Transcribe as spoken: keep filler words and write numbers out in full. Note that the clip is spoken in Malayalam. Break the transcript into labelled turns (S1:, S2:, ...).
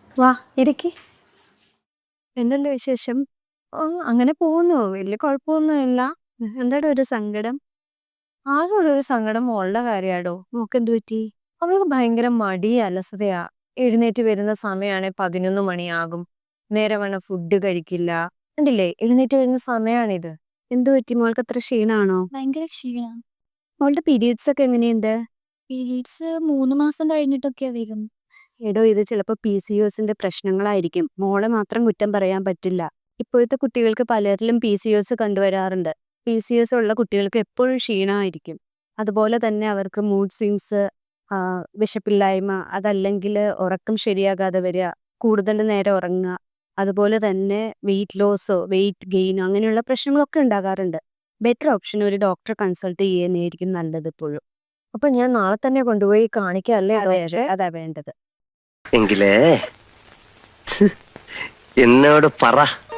S1: വാ ഇരിക്കി.
S2: എന്തുണ്ട് വിശേഷം?
S1: ഓ അങ്ങനെ പോകുന്നു. വലിയ കുഴപ്പമൊന്നുമില്ല.
S2: എന്താണ് ഒരു സങ്കടം?
S1: ആകെ ഉള്ളൊരു സങ്കടം മോളുടെ കാര്യാടോ.
S2: മോക്കെന്ത് പറ്റി?
S1: അവൾക്ക് ഭയങ്കര മടി അലസതയാ. എഴുന്നേറ്റ് വരുന്ന സമയമാണെ പതിനൊന്ന് മണിയാകും. നേരവണ്ണം ഫുഡ് കഴിക്കില്ല. കണ്ടില്ലേ എഴുന്നേറ്റ് വരുന്ന സമയമാണിത്.
S2: എന്ത് പറ്റി? മോൾക്ക് അത്ര ക്ഷീണാണോ?
S3: ഭയങ്കര ക്ഷീണം.
S2: മോളുടെ പീരിയഡ്സ് ഒക്കെ എങ്ങനെയുണ്ട്?
S3: പീരീഡ്സ് മൂന്ന് മാസം കഴിഞ്ഞിട്ടൊക്കെയാ വരും.
S2: എടോ ഇത് ചിലപ്പോൾ പി സി ഒ എസിന്റെ പ്രശ്നങ്ങളായിരിക്കും. മോളെ മാത്രം കുറ്റം പറയാൻ പറ്റില്ല. ഇപ്പോഴത്തെ കുട്ടികൾക്ക് പലരിലും പി സി ഒ എസ് കണ്ടുവരാറുണ്ട്. പി സി ഒ എസ് ഉള്ള കുട്ടികൾക്ക് എപ്പോഴും ക്ഷീണമായിരിക്കും. അതുപോലെ തന്നെ അവർക്ക് മൂഡ് സ്വിങ്സ്, വിശപ്പില്ലായ്മ, അതല്ലെങ്കിൽ ഉറക്കം ശരിയാകാതെ വരിക, കൂടുതൽ നേരം ഉറങ്ങുക, അതുപോലെ തന്നെ വെയിറ്റ് ലോസോ വെയിറ്റ് ഗെയിനോ അങ്ങനെയുള്ള പ്രശ്നങ്ങളൊക്കെ ഉണ്ടാകാറുണ്ട്. ബെറ്റർ ഓപ്ഷൻ ഒരു ഡോക്ടറെ കൺസൾട്ട് ചെയ്യുന്നതായിരിക്കും നല്ലത് എപ്പോഴും.
S1: അപ്പൊ ഞാൻ നാളെ തന്നെ കൊണ്ടുപോയി കാണിക്കാല്ലേ
S2: അതെ അതെ
S1: ഡോക്ടറെ?
S2: അതാ വേണ്ടത്.
S4: എങ്കിലേ എന്നോട് പറ.